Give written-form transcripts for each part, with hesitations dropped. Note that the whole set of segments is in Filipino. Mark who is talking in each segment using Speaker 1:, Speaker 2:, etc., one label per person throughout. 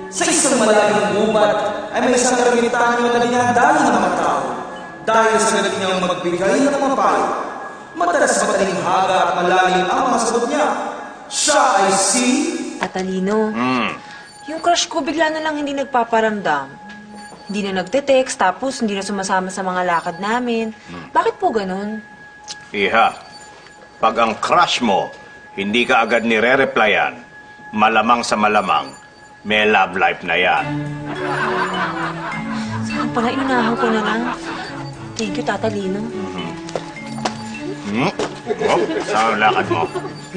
Speaker 1: Sa isang malayong gubat ay may isang ermitanyo na dinadayo ng mga tao. Dahil sa galing niyang magbigay ng mga payo, madalas matalinghaga at malalim ang mga sagot niya. Siya ay si...
Speaker 2: Tatalino, yung crush ko bigla na lang hindi nagpaparamdam. Hindi na nagte-text, tapos hindi na sumasama sa mga lakad namin. Bakit po ganun?
Speaker 3: Iha, pag ang crush mo, hindi ka agad nire-replyan, malamang sa malamang, may love life na yan.
Speaker 2: Saan pala, inunahan ko na lang. Thank you, Tatalino.
Speaker 3: Oh, saan ang lakad mo?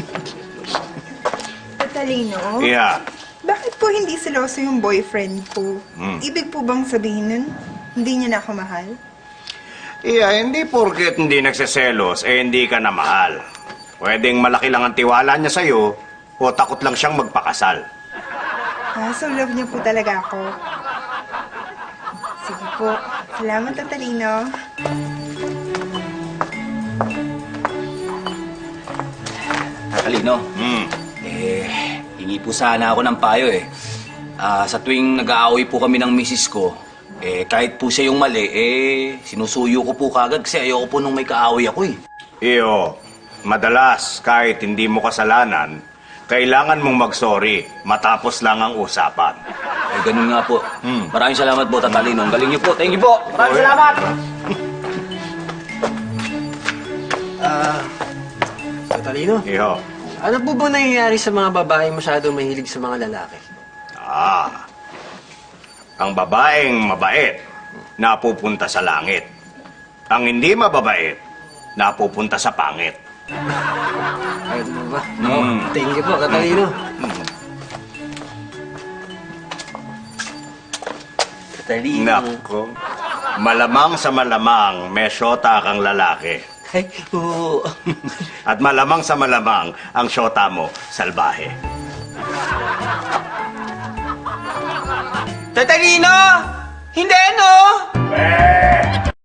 Speaker 4: Tatalino,
Speaker 3: Iha,
Speaker 4: bakit po hindi seloso yung boyfriend ko? Ibig po bang sabihin nun, hindi niya na ako mahal?
Speaker 3: Iha, hindi porket hindi nagseselos, hindi ka na mahal. Pwedeng malaki lang ang tiwala niya sa'yo, o takot lang siyang magpakasal.
Speaker 4: So love niya po talaga ako. Sige po. Salamat, Tatalino.
Speaker 5: Tatalino, hingi po sana ako ng payo eh. Sa tuwing nag-aaway po kami ng misis ko, kahit po siya yung mali, sinusuyo ko po kagad kasi ayoko po nung may kaaway ako eh.
Speaker 3: Iyo, madalas kahit hindi mo kasalanan, kailangan mong mag-sorry matapos lang ang usapan.
Speaker 5: Ganun nga po. Maraming salamat po, Tatalino. Ang galing niyo po. Thank you po. Maraming salamat!
Speaker 6: Tatalino,
Speaker 3: Iyo,
Speaker 6: ano po ba nangyayari sa mga babaeng masyadong mahilig sa mga lalaki?
Speaker 3: ang babaeng mabait, napupunta sa langit. Ang hindi mababait, napupunta sa pangit.
Speaker 6: Ayun mo ba? Thank you po, Tatalino.
Speaker 5: Tatalino.
Speaker 3: Nako, malamang sa malamang may syota kang lalaki.
Speaker 5: Ay, oo.
Speaker 3: At malamang sa malamang ang syota mo, salbahe.
Speaker 5: Tatalino! Hindi, no?